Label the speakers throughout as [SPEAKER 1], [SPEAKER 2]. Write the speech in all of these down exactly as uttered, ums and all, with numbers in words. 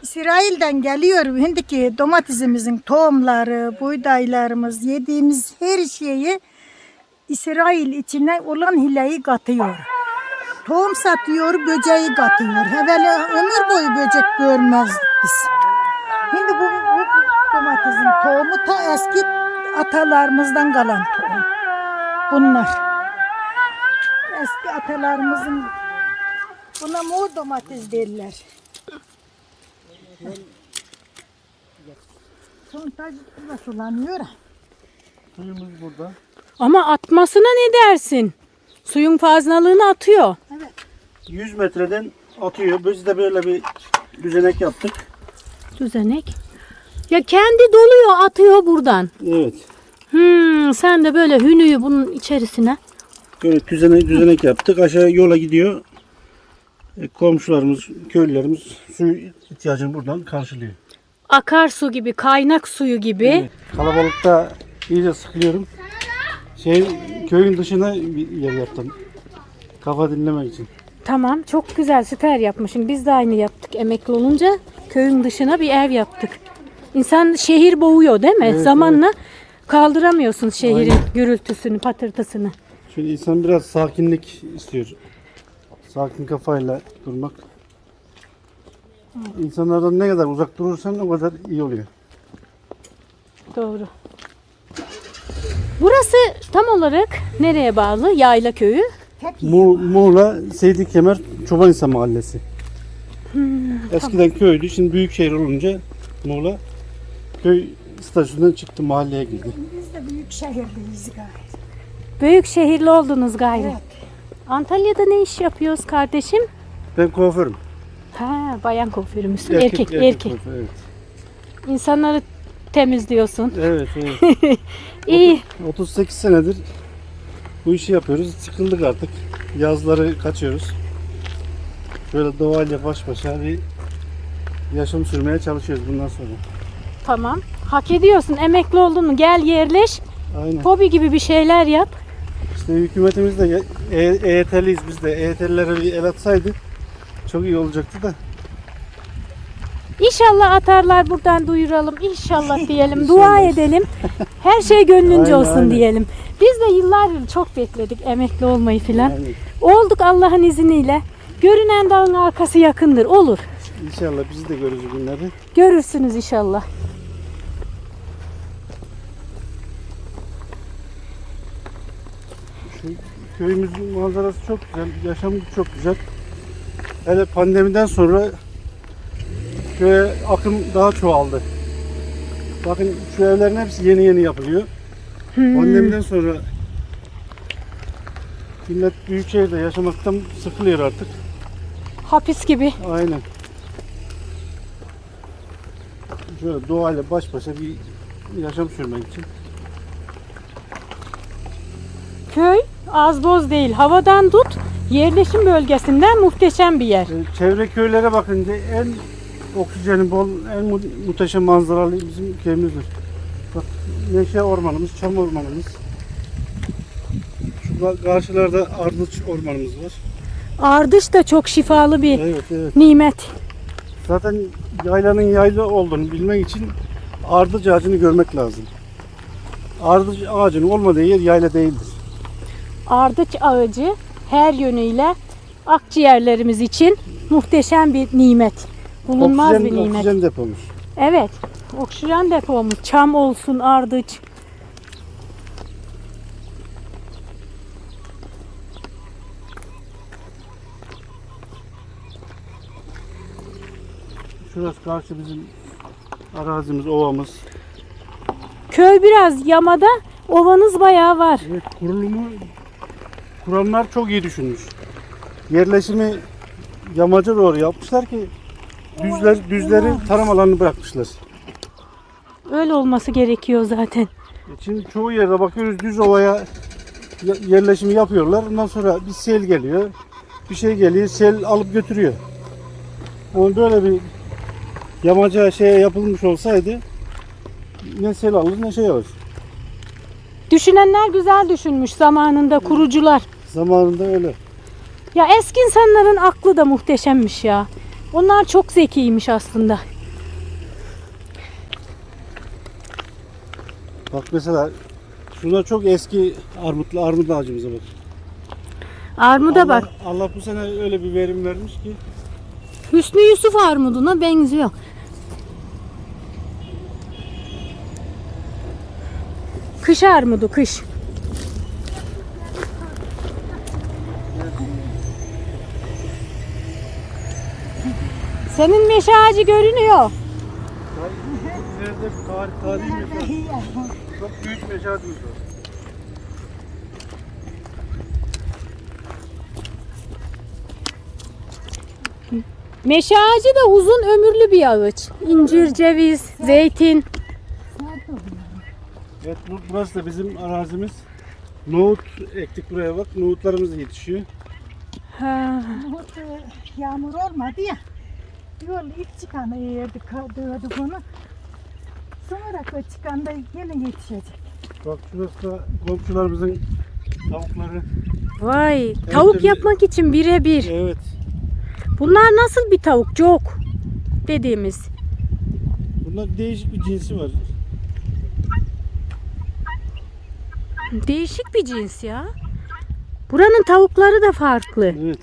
[SPEAKER 1] İsrail'den geliyor şimdiki domatesimizin tohumları, buğdaylarımız, yediğimiz her şeyi İsrail içine olan hileyi katıyor. Tohum satıyor, böceği katıyor. Evvela ömür boyu böcek görmezdik biz. Şimdi bu, bu domatesin tohumu ta eski atalarımızdan kalan tohum. Bunlar. Eski atalarımızın, buna mor domates derler. Sontaj da sulanıyor.
[SPEAKER 2] Suyumuz burada.
[SPEAKER 3] Ama atmasına ne dersin? Suyun fazlalığını atıyor.
[SPEAKER 1] Evet.
[SPEAKER 2] yüz metreden atıyor. Biz de böyle bir düzenek yaptık.
[SPEAKER 3] Düzenek. Ya kendi doluyor, atıyor buradan.
[SPEAKER 2] Evet.
[SPEAKER 3] Hmm, sen de böyle hünüyü bunun içerisine.
[SPEAKER 2] Böyle düzenek, düzenek yaptık. Aşağı yola gidiyor. E, komşularımız, köylülerimiz su ihtiyacını buradan karşılıyor.
[SPEAKER 3] Akarsu gibi, kaynak suyu gibi.
[SPEAKER 2] Evet. Kalabalıkta iyice sıkılıyorum. Şey, köyün dışına bir yer yaptım. Kafa dinlemek için.
[SPEAKER 3] Tamam, çok güzel, süper yapmışsın. Biz de aynı yaptık. Emekli olunca köyün dışına bir ev yaptık. İnsan şehir boğuyor değil mi?
[SPEAKER 2] Evet,
[SPEAKER 3] Zamanla kaldıramıyorsun şehrin
[SPEAKER 2] Aynen.
[SPEAKER 3] gürültüsünü, patırtısını.
[SPEAKER 2] Şimdi insan biraz sakinlik istiyor. Sakin kafayla durmak. İnsanlardan ne kadar uzak durursan o kadar iyi oluyor.
[SPEAKER 3] Doğru. Burası tam olarak nereye bağlı? Yayla köyü.
[SPEAKER 2] Mu Muğla Seydi Kemer Çobanhisar Mahallesi. Eskiden köydü, şimdi büyük şehir olunca Muğla köy statüsünden çıktı, mahalleye girdi.
[SPEAKER 1] Biz de büyük şehirdeyiz gayet.
[SPEAKER 3] Büyük şehirli oldunuz gayrı.
[SPEAKER 1] Evet.
[SPEAKER 3] Antalya'da ne iş yapıyoruz kardeşim?
[SPEAKER 2] Ben kuaförüm.
[SPEAKER 3] Ha, bayan kuaförü müsün? Erkek, erkek.
[SPEAKER 2] kuaför, evet.
[SPEAKER 3] İnsanları temizliyorsun.
[SPEAKER 2] Evet, evet.
[SPEAKER 3] İyi.
[SPEAKER 2] otuz sekiz senedir bu işi yapıyoruz. Sıkıldık artık. Yazları kaçıyoruz. Böyle doğayla baş başa bir yaşam sürmeye çalışıyoruz bundan sonra.
[SPEAKER 3] Tamam. Hak ediyorsun. Emekli oldun mu? Gel yerleş.
[SPEAKER 2] Aynen.
[SPEAKER 3] Hobi gibi bir şeyler yap.
[SPEAKER 2] İşte hükümetimiz de E- EYT'liyiz biz de. E Y T'lilere bir el atsaydı çok iyi olacaktı da.
[SPEAKER 3] İnşallah atarlar, buradan duyuralım. İnşallah diyelim.
[SPEAKER 2] İnşallah.
[SPEAKER 3] Dua edelim. Her şey gönlünce
[SPEAKER 2] Aynen,
[SPEAKER 3] olsun
[SPEAKER 2] aynen.
[SPEAKER 3] diyelim. Biz de yıllardır çok bekledik emekli olmayı filan.
[SPEAKER 2] Yani
[SPEAKER 3] Olduk Allah'ın izniyle. Görünen dağın arkası yakındır. Olur.
[SPEAKER 2] inşallah bizi de görürüz o günleri.
[SPEAKER 3] Görürsünüz inşallah.
[SPEAKER 2] Şu köyümüzün manzarası çok güzel, yaşamı çok güzel. Hele pandemiden sonra köye akım daha çoğaldı. Bakın şu evlerin hepsi yeni yeni yapılıyor.
[SPEAKER 3] Hmm.
[SPEAKER 2] Pandemiden sonra millet büyük şehirde yaşamaktan sıkılıyor artık.
[SPEAKER 3] Hapis gibi.
[SPEAKER 2] Aynen. Şöyle doğayla baş başa bir yaşam sürmek için.
[SPEAKER 3] Köy az boz değil. Havadan tut, yerleşim bölgesinden muhteşem bir yer.
[SPEAKER 2] Ee, Çevre köylere bakınca en oksijeni bol, en mu- muhteşem manzaralı bizim köyümüzdür. Bak, neşe ormanımız, çam ormanımız. Şu ka- karşılarda ardıç ormanımız var.
[SPEAKER 3] Ardış da çok şifalı bir
[SPEAKER 2] Evet, evet.
[SPEAKER 3] nimet.
[SPEAKER 2] Zaten yaylanın yayla olduğunu bilmek için ardıç ağacını görmek lazım. Ardıç ağacının olmadığı yer yayla değildir.
[SPEAKER 3] Ardıç ağacı her yönüyle akciğerlerimiz için muhteşem bir nimet. Bulunmaz
[SPEAKER 2] Oksijen,
[SPEAKER 3] bir nimet.
[SPEAKER 2] oksijen depomuz.
[SPEAKER 3] Evet. Oksijen depomuz. Çam olsun, ardıç.
[SPEAKER 2] Şurası karşı bizim arazimiz, ovamız.
[SPEAKER 3] Köy biraz yamada, ovanız bayağı var.
[SPEAKER 2] Evet, kurulumu kuranlar çok iyi düşünmüş. Yerleşimi yamaca doğru yapmışlar ki düzler düzleri tarım alanını bırakmışlar.
[SPEAKER 3] Öyle olması gerekiyor zaten.
[SPEAKER 2] E Şimdi çoğu yerde bakıyoruz düz ovaya ya- yerleşimi yapıyorlar. Ondan sonra bir sel geliyor. Bir şey geliyor, sel alıp götürüyor. Ama böyle bir yamaca şeye yapılmış olsaydı ne sel alır ne şey alır.
[SPEAKER 3] Düşünenler güzel düşünmüş zamanında, kurucular.
[SPEAKER 2] Zamanında öyle.
[SPEAKER 3] Ya eski insanların aklı da muhteşemmiş ya. Onlar çok zekiymiş aslında.
[SPEAKER 2] Bak mesela şurada çok eski armutlu armut ağacımıza bak.
[SPEAKER 3] Armuda
[SPEAKER 2] Allah,
[SPEAKER 3] bak.
[SPEAKER 2] Allah bu sene öyle bir verim vermiş ki.
[SPEAKER 3] Hüsnü Yusuf armuduna benziyor. Kış armudu, kış. Senin meşe ağacı görünüyor.
[SPEAKER 2] İleride tarih, tarihi meşe. Çok büyük meşe ağacımız var.
[SPEAKER 3] Meşe ağacı da uzun ömürlü bir ağaç. İncir, ceviz, zeytin.
[SPEAKER 2] Evet, bu- burası da bizim arazimiz. Nohut ektik buraya bak. Nohutlarımız da yetişiyor.
[SPEAKER 3] Ha.
[SPEAKER 1] Nohut, e, yağmur olmadı ya. Yol ilk çıkanı yerdik, dövdük onu. Sonra o çıkan da yine yetişecek.
[SPEAKER 2] Bak şurası da komşularımızın tavukları.
[SPEAKER 3] Vay, tavuk
[SPEAKER 2] tabii.
[SPEAKER 3] yapmak için birebir.
[SPEAKER 2] Evet.
[SPEAKER 3] Bunlar nasıl bir tavuk? Cok dediğimiz.
[SPEAKER 2] Bunlar değişik bir cinsi var.
[SPEAKER 3] Değişik bir cins ya. Buranın tavukları da farklı.
[SPEAKER 2] Evet.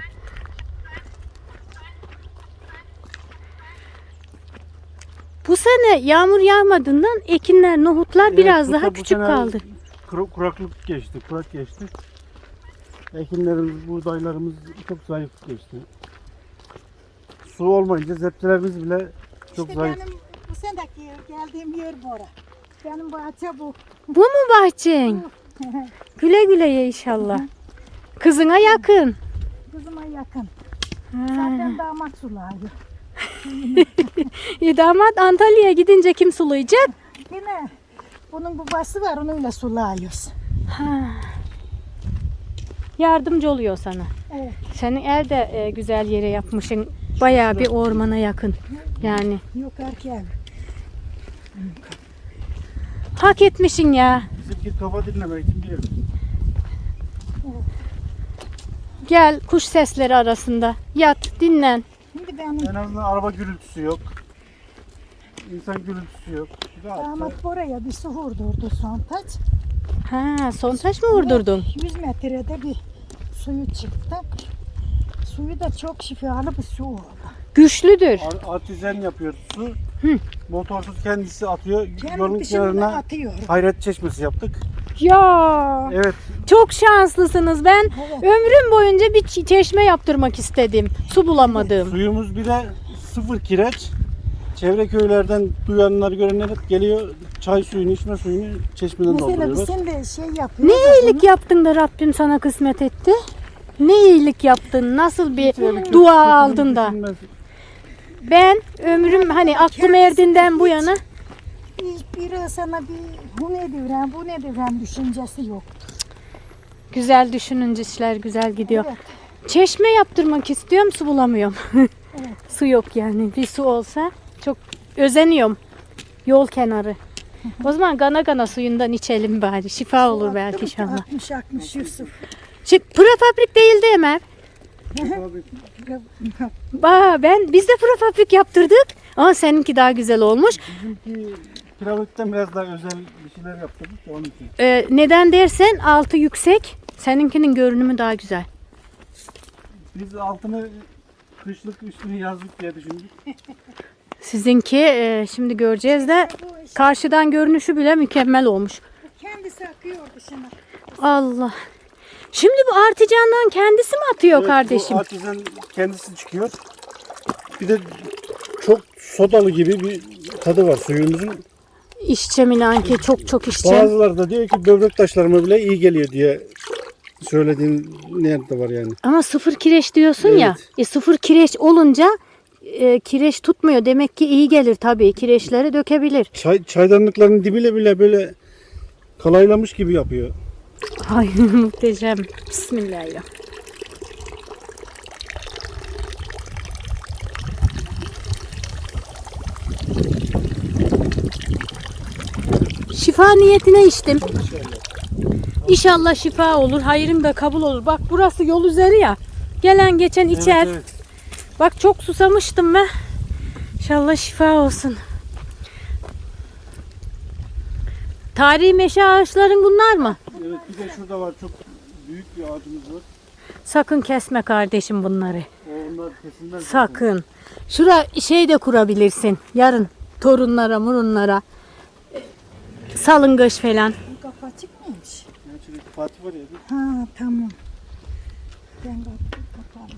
[SPEAKER 3] Bu sene yağmur yağmadığından ekinler, nohutlar
[SPEAKER 2] Evet,
[SPEAKER 3] biraz
[SPEAKER 2] bu
[SPEAKER 3] daha
[SPEAKER 2] da bu
[SPEAKER 3] küçük
[SPEAKER 2] sene
[SPEAKER 3] kaldı.
[SPEAKER 2] kuru- Kuraklık geçti, kurak geçti. Ekinlerimiz, buğdaylarımız çok zayıf geçti. Su olmayınca zepçelerimiz bile çok
[SPEAKER 1] İşte
[SPEAKER 2] zayıf.
[SPEAKER 1] benim bu seneki geldiğim yer bura. Benim bahçe bu.
[SPEAKER 3] Bu mu bahçen? Güle güle ye inşallah. Kızına yakın.
[SPEAKER 1] Kızıma yakın.
[SPEAKER 3] Ha.
[SPEAKER 1] Zaten damat sulayıyor.
[SPEAKER 3] E, damat Antalya'ya gidince kim sulayacak?
[SPEAKER 1] Yine bunun babası var, onunla sulayıyoruz.
[SPEAKER 3] Ha. Yardımcı oluyor sana.
[SPEAKER 1] Evet.
[SPEAKER 3] Senin ev de e, güzel yere yapmışsın. Bayağı bir ormana yakın. Yani
[SPEAKER 1] Yukarıki ev.
[SPEAKER 3] hak etmişsin ya.
[SPEAKER 2] Bizimki kafa dinlemek için bir yer.
[SPEAKER 3] Gel kuş sesleri arasında. Yat, dinlen.
[SPEAKER 1] Şimdi benim
[SPEAKER 2] En azından araba gürültüsü yok. İnsan gürültüsü yok. Rahat da-
[SPEAKER 1] damat buraya bir su vurdurdu sontaç.
[SPEAKER 3] Ha, son taş mı vurdurdun?
[SPEAKER 1] yüz metrede bir suyu çıktı. Suyu da çok şifalı bir su oldu.
[SPEAKER 3] Güçlüdür.
[SPEAKER 2] Ar- Artizan yapıyor su.
[SPEAKER 3] Hı.
[SPEAKER 2] Motorsuz kendisi atıyor.
[SPEAKER 1] Kendi
[SPEAKER 2] Yolun
[SPEAKER 1] dışında
[SPEAKER 2] kenarına
[SPEAKER 1] atıyor.
[SPEAKER 2] hayret çeşmesi yaptık.
[SPEAKER 3] Ya
[SPEAKER 2] Evet.
[SPEAKER 3] çok şanslısınız. Ben
[SPEAKER 1] Evet.
[SPEAKER 3] ömrüm boyunca bir çi- çeşme yaptırmak istedim. Su bulamadım.
[SPEAKER 2] Suyumuz bir de sıfır kireç. Çevre köylerden duyanlar görenler hep geliyor. Çay suyunu, içme suyunu çeşmeden
[SPEAKER 1] Mesela biz
[SPEAKER 2] dolduruyorlar.
[SPEAKER 1] şimdi şey yapıyoruz.
[SPEAKER 3] Ne iyilik yaptın da Rabbim sana kısmet etti? Ne iyilik yaptın? Nasıl bir
[SPEAKER 2] Kötü-
[SPEAKER 3] dua
[SPEAKER 2] kötülük
[SPEAKER 3] aldın da?
[SPEAKER 2] düşünmez.
[SPEAKER 3] Ben ömrüm hani aklım erdiğinden bu yana
[SPEAKER 1] Hiçbiri sana bir bu ne diyorum, bu ne diyorum düşüncesi yok.
[SPEAKER 3] güzel düşününce işler güzel gidiyor.
[SPEAKER 1] Evet.
[SPEAKER 3] Çeşme yaptırmak istiyorum, su bulamıyorum.
[SPEAKER 1] Evet.
[SPEAKER 3] Su yok yani. Bir su olsa çok özeniyorum. Yol kenarı. O zaman gana gana suyundan içelim bari. Şifa olur belki inşallah.
[SPEAKER 1] altmış altmış Yusuf.
[SPEAKER 3] Çık, prefabrik değildi Ömer. Ba, ben biz de prefabrik yaptırdık. Ama seninki daha güzel olmuş.
[SPEAKER 2] Bizimki kiralıktan biraz daha özel bir şeyler yaptırdık da onun için.
[SPEAKER 3] Ee, neden dersen altı yüksek. Seninkinin görünümü daha güzel.
[SPEAKER 2] Biz altını kışlık üstünü yazlık diye düşündük.
[SPEAKER 3] Sizinki e, şimdi göreceğiz de karşıdan görünüşü bile mükemmel olmuş.
[SPEAKER 1] Kendisi akıyor dışına.
[SPEAKER 3] Allah. Şimdi bu articandan kendisi mi atıyor
[SPEAKER 2] Evet,
[SPEAKER 3] kardeşim?
[SPEAKER 2] Bu artizan kendisi çıkıyor. Bir de çok sodalı gibi bir tadı var suyumuzun.
[SPEAKER 3] İşçe Milanki çok çok işçe.
[SPEAKER 2] Bazıları da diyor ki böbrek taşlarıma bile iyi geliyor diye söylediğin nerede var yani.
[SPEAKER 3] Ama sıfır kireç diyorsun ya.
[SPEAKER 2] Evet.
[SPEAKER 3] E, sıfır kireç olunca e, kireç tutmuyor. Demek ki iyi gelir tabii. Kireçleri dökebilir.
[SPEAKER 2] Çay, çaydanlıkların dibiyle bile böyle kalaylamış gibi yapıyor.
[SPEAKER 3] Ay muhteşem. Bismillahirrahmanirrahim. Şifa niyetine içtim. İnşallah şifa olur. Hayrım da kabul olur. Bak burası yol üzeri ya. Gelen geçen içer.
[SPEAKER 2] Evet, evet.
[SPEAKER 3] Bak çok susamıştım ben. İnşallah şifa olsun. Tarihi meşe ağaçların bunlar mı?
[SPEAKER 2] Evet, bir de şurada var, çok büyük bir ağacımız var.
[SPEAKER 3] Sakın kesme kardeşim bunları.
[SPEAKER 2] O onlar kesinler.
[SPEAKER 3] Sakın. Şura şey de kurabilirsin. Yarın torunlara, murunlara. Salıngaç falan.
[SPEAKER 1] Bu kapı açık mıymış?
[SPEAKER 2] Yani şöyle Fatih var ya. bir-
[SPEAKER 1] Ha tamam. Ben kapıyı kaparız.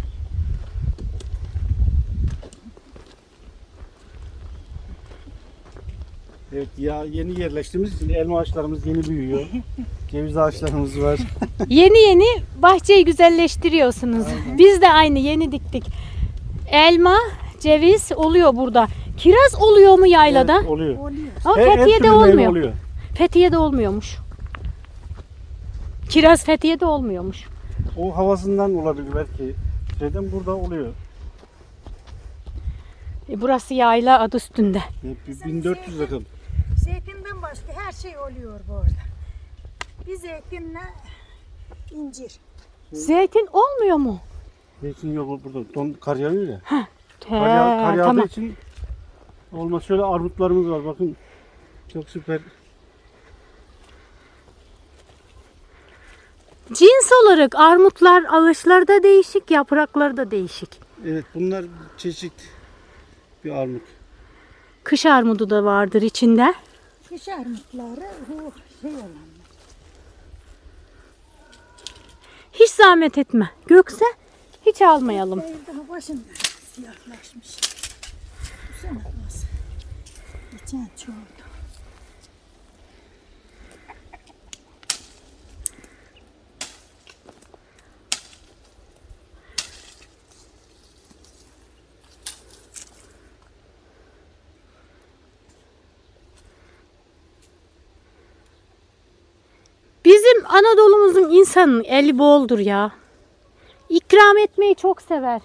[SPEAKER 2] Evet, ya yeni yerleştiğimiz için elma ağaçlarımız yeni büyüyor. Ceviz ağaçlarımız var.
[SPEAKER 3] Yeni yeni bahçeyi güzelleştiriyorsunuz. Biz de aynı yeni diktik. Elma, ceviz oluyor burada. Kiraz oluyor mu yaylada?
[SPEAKER 2] Evet, oluyor.
[SPEAKER 1] Oluyor.
[SPEAKER 3] Ama
[SPEAKER 2] Her- her
[SPEAKER 3] Fethiye'de
[SPEAKER 2] türlü meyve
[SPEAKER 3] olmuyor.
[SPEAKER 2] oluyor.
[SPEAKER 3] Fethiye'de olmuyormuş. Kiraz Fethiye'de olmuyormuş.
[SPEAKER 2] O havasından olabilir belki. Şeyden burada oluyor.
[SPEAKER 3] E, burası yayla adı üstünde.
[SPEAKER 2] E, bin dört yüz rakım.
[SPEAKER 1] Zeytinden başka her şey oluyor bu arada. Bir zeytinle incir.
[SPEAKER 3] Zeytin olmuyor mu?
[SPEAKER 2] Zeytin yok burada. Don, kar yağıyor ya.
[SPEAKER 3] He,
[SPEAKER 2] Kar, yağ, kar yağdığı
[SPEAKER 3] tamam.
[SPEAKER 2] için olmaz. Şöyle armutlarımız var. Bakın çok süper.
[SPEAKER 3] Cins olarak armutlar ağaçları da değişik, yaprakları da değişik.
[SPEAKER 2] Evet, bunlar çeşit bir armut.
[SPEAKER 3] Kış armudu da vardır içinde.
[SPEAKER 1] Kış armutları bu şey olan.
[SPEAKER 3] Hiç zahmet etme. Gökse hiç almayalım.
[SPEAKER 1] Değil daha başında siyahlaşmış. Bu sene nasıl? Geçen çoğuldu.
[SPEAKER 3] Bizim Anadolu'muzun insanın eli boldur ya. İkram etmeyi çok sever.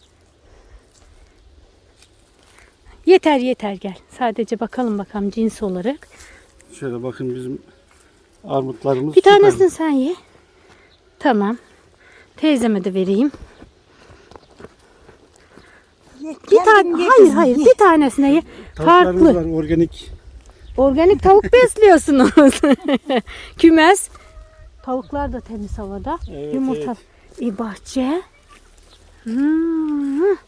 [SPEAKER 3] Yeter yeter gel. Sadece bakalım bakalım cins olarak.
[SPEAKER 2] Şöyle bakın bizim armutlarımız
[SPEAKER 3] Bir
[SPEAKER 2] süper.
[SPEAKER 3] tanesini sen ye. Tamam. Teyzeme de vereyim.
[SPEAKER 1] Ye,
[SPEAKER 3] Bir tane
[SPEAKER 1] kendin ye
[SPEAKER 3] hayır
[SPEAKER 1] kızım,
[SPEAKER 3] hayır
[SPEAKER 1] ye.
[SPEAKER 3] bir tanesine ye.
[SPEAKER 2] Tavuklarımız
[SPEAKER 3] Farklı.
[SPEAKER 2] var, organik.
[SPEAKER 3] Organik tavuk besliyorsunuz. Kümes. Tavuklar da temiz havada.
[SPEAKER 2] Evet,
[SPEAKER 3] Yumurta.
[SPEAKER 2] evet.
[SPEAKER 3] E, bahçe. Hmm.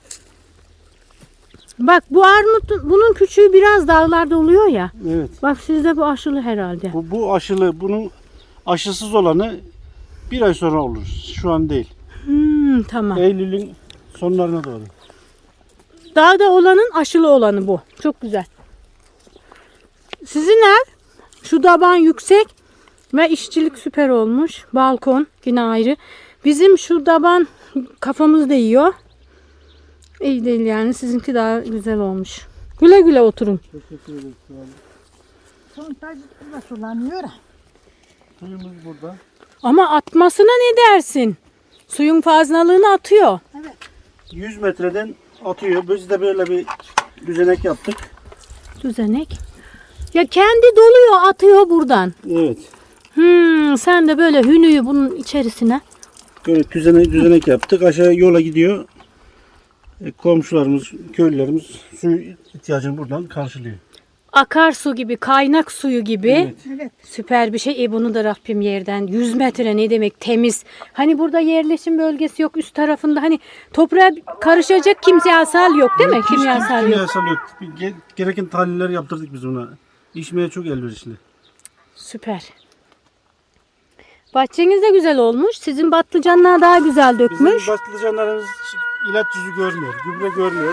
[SPEAKER 3] Bak bu armut, bunun küçüğü biraz dağlarda oluyor ya.
[SPEAKER 2] Evet.
[SPEAKER 3] Bak sizde bu aşılı herhalde.
[SPEAKER 2] Bu, bu aşılı, bunun aşısız olanı bir ay sonra olur. Şu an değil.
[SPEAKER 3] Hmm, tamam.
[SPEAKER 2] Eylül'ün sonlarına doğru.
[SPEAKER 3] Dağda olanın aşılı olanı bu. Çok güzel. Sizin ev şu taban yüksek ve işçilik süper olmuş. Balkon yine ayrı. Bizim şu taban kafamız değiyor. İyi değil yani. Sizinki daha güzel olmuş. Güle güle oturun.
[SPEAKER 2] Teşekkür ederiz.
[SPEAKER 1] Sontajı da sulanıyor.
[SPEAKER 2] Suyumuz burada.
[SPEAKER 3] Ama atmasına ne dersin? Suyun fazlalığını atıyor.
[SPEAKER 1] Evet.
[SPEAKER 2] yüz metreden atıyor. Biz de böyle bir düzenek yaptık.
[SPEAKER 3] Düzenek. Ya kendi doluyor atıyor buradan.
[SPEAKER 2] Evet.
[SPEAKER 3] Hmm, sen de böyle hünüyü bunun içerisine.
[SPEAKER 2] Böyle düzenek, düzenek yaptık. Aşağı yola gidiyor. E, komşularımız, köylülerimiz su ihtiyacını buradan karşılıyor.
[SPEAKER 3] Akarsu gibi, kaynak suyu gibi.
[SPEAKER 2] Evet.
[SPEAKER 1] Evet.
[SPEAKER 3] Süper bir şey. E bunu da Rabbim yerden. yüz metre ne demek temiz. Hani burada yerleşim bölgesi yok üst tarafında. Hani toprağa karışacak kimyasal yok değil mi? Kimyasal yok.
[SPEAKER 2] Kimyasal yok. Ge- Gereken tahliller yaptırdık biz buna. İçmeye çok elverişli.
[SPEAKER 3] Süper. Bahçeniz de güzel olmuş. Sizin patlıcanlar daha güzel dökmüş.
[SPEAKER 2] Bizim patlıcanlarımız ilaç yüzü görmüyor. Gübre görmüyor.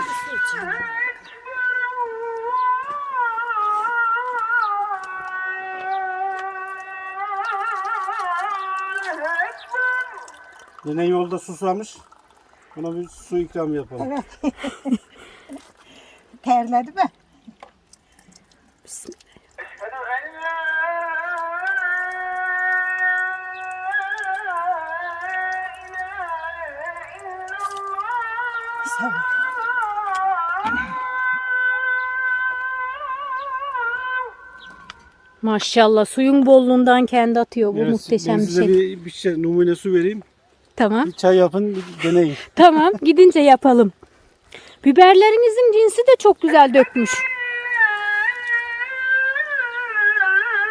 [SPEAKER 2] Yine yolda susamış. Ona bir su ikramı yapalım.
[SPEAKER 1] Evet. Terledi mi? Sağ ol.
[SPEAKER 3] Maşallah suyun bolluğundan kendi atıyor. Bu
[SPEAKER 2] Evet,
[SPEAKER 3] muhteşem
[SPEAKER 2] ben
[SPEAKER 3] bir
[SPEAKER 2] size
[SPEAKER 3] şey.
[SPEAKER 2] bir, bir şey numune su vereyim.
[SPEAKER 3] Tamam.
[SPEAKER 2] Bir çay yapın, bir deneyin.
[SPEAKER 3] Tamam. Gidince yapalım. Biberlerinizin cinsi de çok güzel dökmüş.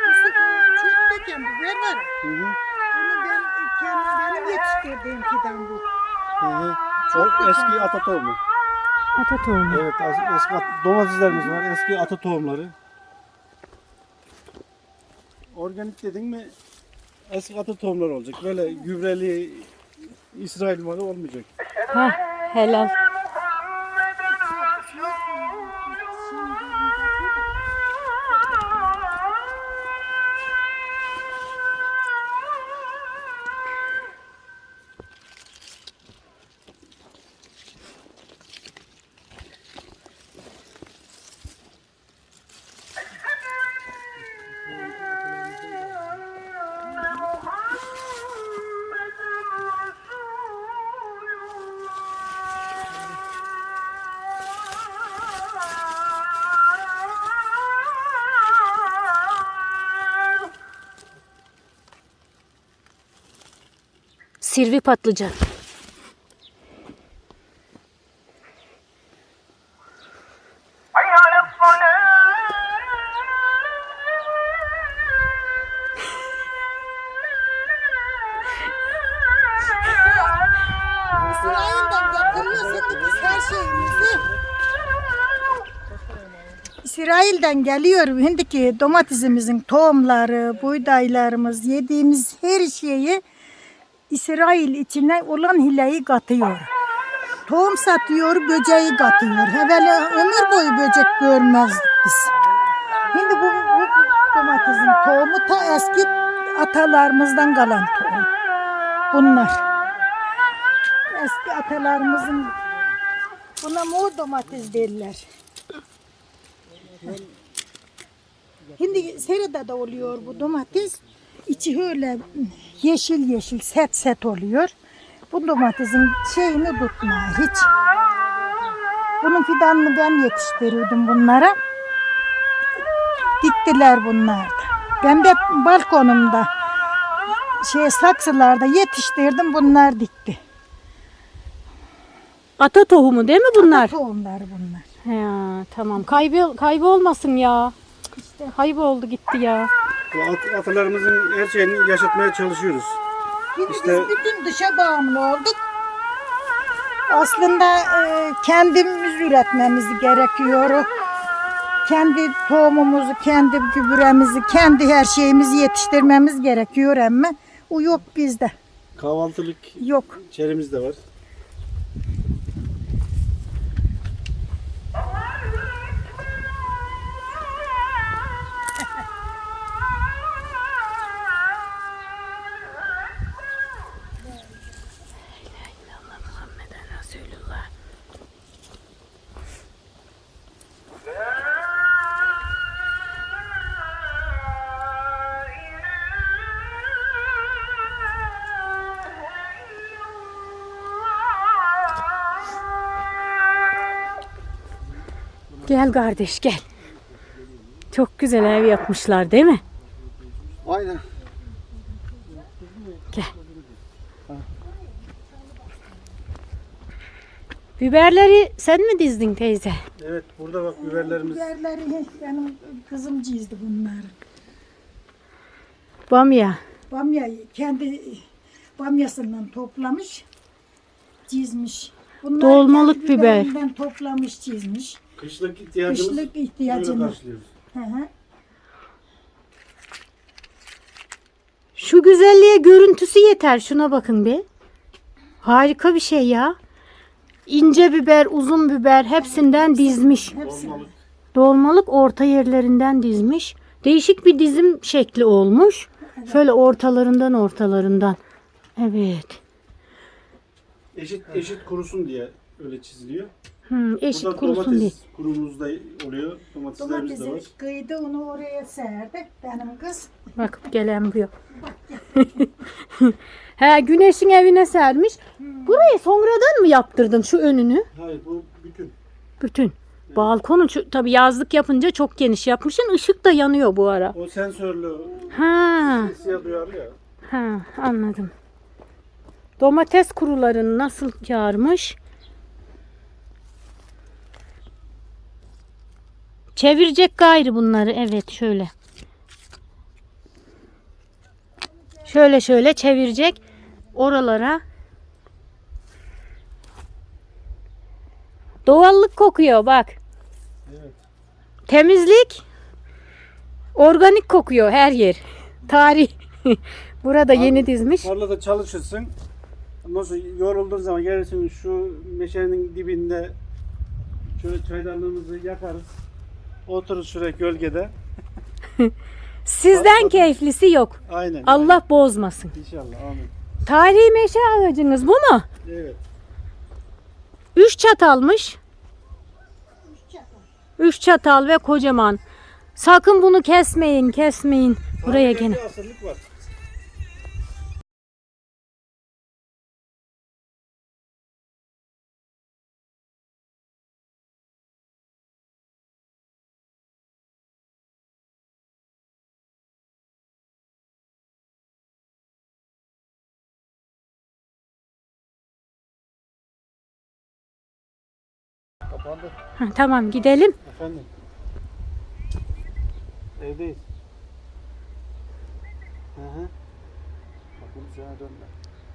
[SPEAKER 1] yetiştirdiğim fidan bu.
[SPEAKER 2] Hı hı. Çok eski ata tohumu.
[SPEAKER 3] Ata tohumu.
[SPEAKER 2] Evet, as- eski at- domateslerimiz var. Eski ata tohumları. Organik dedin mi eski ata tohumları olacak. Böyle gübreli İsrail malı olmayacak.
[SPEAKER 3] Ha, helal. Sirvi patlıcan.
[SPEAKER 1] İsrail'den getiriyorsak biz her şeyimizi. İsrail'den geliyor şimdiki domatesimizin tohumları, buğdaylarımız, yediğimiz her şeyi İsrail içine olan hileyi katıyor. Tohum satıyor, böceği katıyor. Evvela ömür boyu böcek görmezdik biz. Şimdi bu, bu domatesin tohumu ta eski atalarımızdan kalan tohum. Bunlar. Eski atalarımızın, buna mor domates derler. Şimdi serada da oluyor bu domates. İçi öyle yeşil yeşil set set oluyor. Bu domatesin şeyini tutmuyor hiç. Bunun fidanını ben yetiştiriyordum bunlara. Diktiler bunlar da. Ben de balkonumda şey saksılarda yetiştirdim, bunlar dikti.
[SPEAKER 3] Ata tohumu değil mi bunlar?
[SPEAKER 1] Tohumlar bunlar.
[SPEAKER 3] Ya, tamam. Kaybı, kaybı olmasın ya.
[SPEAKER 1] İşte
[SPEAKER 3] Kayboldu gitti ya.
[SPEAKER 2] Bu at- atalarımızın her şeyini yaşatmaya çalışıyoruz.
[SPEAKER 1] şimdi
[SPEAKER 2] İşte-
[SPEAKER 1] biz bütün dışa bağımlı olduk. Aslında e, kendimiz üretmemiz gerekiyor. Kendi tohumumuzu, kendi gübremizi, kendi her şeyimizi yetiştirmemiz gerekiyor ama o yok bizde.
[SPEAKER 2] Kahvaltılık
[SPEAKER 1] Yok.
[SPEAKER 2] çerimiz de var.
[SPEAKER 3] Gel kardeş gel. Çok güzel ev yapmışlar değil mi?
[SPEAKER 2] Aynen.
[SPEAKER 3] Gel. Biberleri sen mi dizdin teyze?
[SPEAKER 2] Evet, burada bak biberlerimiz.
[SPEAKER 1] Biberleri benim kızım çizdi bunları.
[SPEAKER 3] Bamya.
[SPEAKER 1] Bamya kendi bamyasından toplamış, çizmiş. Bunlar
[SPEAKER 3] Dolmalık
[SPEAKER 1] kendi
[SPEAKER 3] biber.
[SPEAKER 1] biberinden toplamış, çizmiş.
[SPEAKER 2] Kışlık ihtiyacımız
[SPEAKER 1] Kışlık
[SPEAKER 2] böyle
[SPEAKER 1] ihtiyacını.
[SPEAKER 2] karşılıyoruz.
[SPEAKER 1] Hı hı.
[SPEAKER 3] Şu güzelliğe görüntüsü yeter. Şuna bakın bir. Harika bir şey ya. İnce biber, uzun biber hepsinden dizmiş.
[SPEAKER 1] Hepsi.
[SPEAKER 2] Dolmalık.
[SPEAKER 3] Dolmalık orta yerlerinden dizmiş. Değişik bir dizim şekli olmuş. Şöyle ortalarından ortalarından. Evet.
[SPEAKER 2] Eşit eşit kurusun diye öyle çiziliyor.
[SPEAKER 3] Hmm, eşit
[SPEAKER 2] Burada
[SPEAKER 3] kurusun
[SPEAKER 2] domates
[SPEAKER 3] diye.
[SPEAKER 2] kurumuz da oluyor. Domateslerimiz de var.
[SPEAKER 1] Domatesi kıydı, onu oraya serdi benim kız.
[SPEAKER 3] Bakıp gelen bu. He, güneşin evine sermiş. Burayı sonradan mı yaptırdın şu önünü?
[SPEAKER 2] Hayır, bu bütün.
[SPEAKER 3] Bütün. Balkonu şu- tabii yazlık yapınca çok geniş yapmışsın. Işık da yanıyor bu ara.
[SPEAKER 2] O sensörlü
[SPEAKER 3] Ha,
[SPEAKER 2] siyah duyarlı ya.
[SPEAKER 3] ha anladım. Domates kurularını nasıl kârmış? Çevirecek gayrı bunları. Evet şöyle. Şöyle şöyle çevirecek. Oralara Doğallık kokuyor bak.
[SPEAKER 2] Evet.
[SPEAKER 3] Temizlik. Organik kokuyor her yer. Tarih. Burada yeni dizmiş.
[SPEAKER 2] Tarlada çalışırsın. Nasıl yorulduğun zaman gelirsin şu meşenin dibinde şöyle çaydanlığımızı yakarız. Otururuz şuraya gölgede.
[SPEAKER 3] Sizden keyiflisi yok.
[SPEAKER 2] Aynen.
[SPEAKER 3] Allah bozmasın.
[SPEAKER 2] İnşallah. Amin.
[SPEAKER 3] Tarihi meşe ağacınız bu mu?
[SPEAKER 2] Evet.
[SPEAKER 3] Üç çatalmış. Üç çatal ve kocaman. Sakın bunu kesmeyin, kesmeyin. Buraya
[SPEAKER 2] Tarihte
[SPEAKER 3] gene.
[SPEAKER 2] bir asırlık var. Kapandı.
[SPEAKER 3] Ha, tamam gidelim.
[SPEAKER 2] Efendim. Evdeyiz. Hı hı. Bak bunu sana dönme.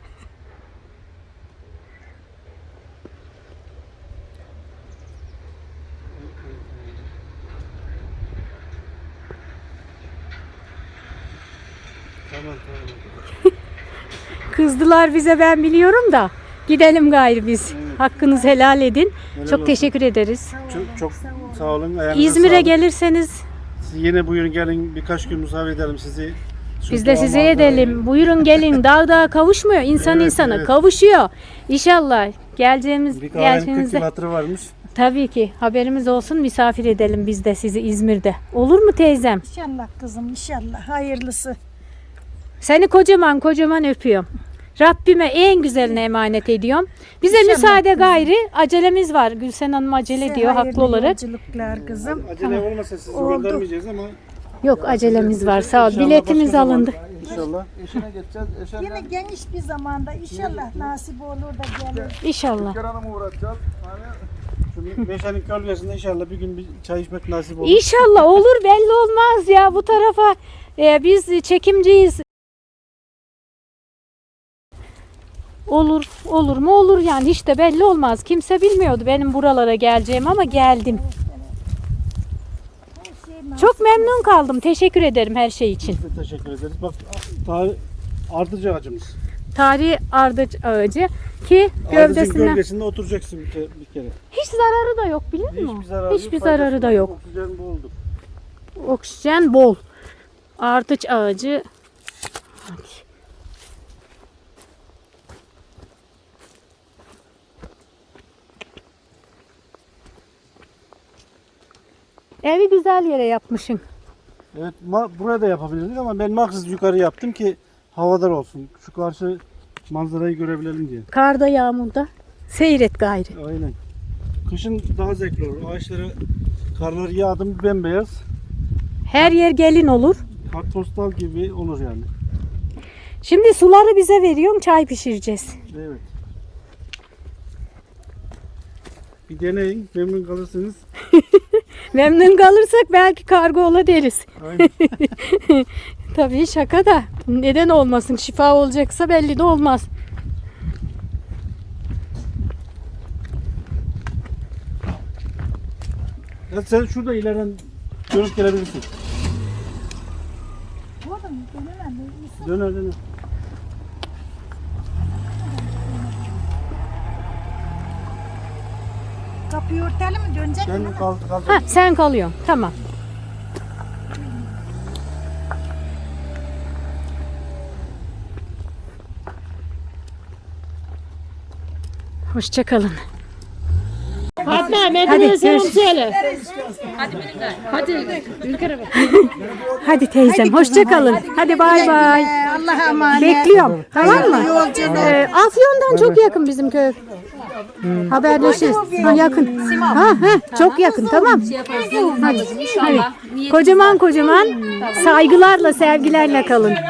[SPEAKER 2] Tamam tamam.
[SPEAKER 3] Kızdılar bize ben biliyorum da. Gidelim gayrı biz.
[SPEAKER 2] Evet.
[SPEAKER 3] Hakkınızı helal edin.
[SPEAKER 2] Helal
[SPEAKER 3] Çok
[SPEAKER 2] olsun.
[SPEAKER 3] teşekkür ederiz.
[SPEAKER 2] Çok, çok sağ olun. Ayağınıza
[SPEAKER 3] İzmir'e
[SPEAKER 2] sağlık.
[SPEAKER 3] gelirseniz
[SPEAKER 2] Siz yine buyurun gelin birkaç gün misafir edelim sizi. Şu
[SPEAKER 3] biz de
[SPEAKER 2] doğa
[SPEAKER 3] sizi
[SPEAKER 2] manzarayı-
[SPEAKER 3] edelim. Buyurun gelin. Dağ dağa kavuşmuyor. İnsan
[SPEAKER 2] Evet,
[SPEAKER 3] insana
[SPEAKER 2] evet.
[SPEAKER 3] kavuşuyor. İnşallah geleceğimiz
[SPEAKER 2] Bir kahvenin kırk
[SPEAKER 3] geldiğinizde
[SPEAKER 2] yıl hatırı varmış.
[SPEAKER 3] tabii ki haberimiz olsun. Misafir edelim biz de sizi İzmir'de. Olur mu teyzem?
[SPEAKER 1] İnşallah kızım inşallah hayırlısı.
[SPEAKER 3] Seni kocaman kocaman öpüyorum. Rabbime en güzeline emanet ediyorum. Bize
[SPEAKER 1] İnşallah
[SPEAKER 3] müsaade
[SPEAKER 1] kızım.
[SPEAKER 3] gayri. Acelemiz var. Gülsen Hanım acele
[SPEAKER 1] Size
[SPEAKER 3] ediyor
[SPEAKER 1] hayırlı
[SPEAKER 3] haklı olarak.
[SPEAKER 1] yolculuklar kızım.
[SPEAKER 2] Acele olmasa sizi
[SPEAKER 1] Oldu.
[SPEAKER 2] göndermeyeceğiz ama
[SPEAKER 3] Yok acelemiz var sağ ol.
[SPEAKER 2] İnşallah
[SPEAKER 3] Biletimiz
[SPEAKER 2] başka zaman-
[SPEAKER 3] alındı.
[SPEAKER 2] İnşallah.
[SPEAKER 4] Eşine geçeceğiz. Eşenle
[SPEAKER 1] Yine geniş bir zamanda inşallah nasip olur da gelir.
[SPEAKER 3] İnşallah.
[SPEAKER 4] Türkan Hanım'a uğratacağız. Hani
[SPEAKER 2] Şu Meşenin gölgesinde inşallah bir gün bir çay içmek nasip olur.
[SPEAKER 3] İnşallah olur belli olmaz ya bu tarafa e, biz çekimciyiz. Olur olur mu olur yani hiç de belli olmaz. Kimse bilmiyordu benim buralara geleceğim ama geldim. Çok memnun kaldım. Teşekkür ederim her şey için.
[SPEAKER 2] Biz de teşekkür ederiz. Bak tarih ardıcı ağacımız.
[SPEAKER 3] Tarihi ardıç ağacı ki
[SPEAKER 2] Ardıcın
[SPEAKER 3] gövdesinden
[SPEAKER 2] gölgesinde oturacaksın bir kere. Bir kere.
[SPEAKER 3] hiç zararı da yok biliyor musun?
[SPEAKER 2] Hiçbir zararı,
[SPEAKER 3] Hiçbir
[SPEAKER 2] yok, faydası
[SPEAKER 3] zararı da
[SPEAKER 2] var.
[SPEAKER 3] yok.
[SPEAKER 2] Oksijen boldur.
[SPEAKER 3] Oksijen bol. Ardıç ağacı. Hadi. Evi güzel yere yapmışsın.
[SPEAKER 2] Evet ma- buraya da yapabilirdik ama ben maksız yukarı yaptım ki havadar olsun. Şu karşı manzarayı görebilelim diye.
[SPEAKER 3] Karda yağmurda seyret gayrı.
[SPEAKER 2] Aynen. Kışın daha zevkli olur. Ağaçlara karlar yağdı mı bembeyaz.
[SPEAKER 3] Her yer gelin olur.
[SPEAKER 2] Kartpostal gibi olur yani.
[SPEAKER 3] Şimdi suları bize veriyorum, çay pişireceğiz.
[SPEAKER 2] Evet. Bir deneyin, memnun kalırsınız.
[SPEAKER 3] Memnun kalırsak belki kargo ola deriz.
[SPEAKER 2] Aynen.
[SPEAKER 3] Tabii şaka da neden olmasın? Şifa olacaksa belli de olmaz.
[SPEAKER 2] Ya sen şurada ileriden dönüp gelebilirsin.
[SPEAKER 1] Oğlum dönemem.
[SPEAKER 2] Döner döner.
[SPEAKER 1] Kapıyı örtelim mi dönecek mi?
[SPEAKER 2] Sen kal, kal.
[SPEAKER 3] Ha sen kalıyorsun. Tamam. Hoşça kalın. Fatma, hadi selam söyle. Hadi Ülker'e bak. Hadi teyzem, hoşça kalın. Hadi bay bay.
[SPEAKER 1] Ee, Allah'a emanet.
[SPEAKER 3] Bekliyorum. Tamam mı?
[SPEAKER 1] Yolculuk.
[SPEAKER 3] Ee, Afyon'dan çok yakın bizim köy. Haberleşiriz. Ha, yakın. Ha, ha, çok yakın. Tamam. Hadi. Hadi. Kocaman kocaman saygılarla, sevgilerle kalın.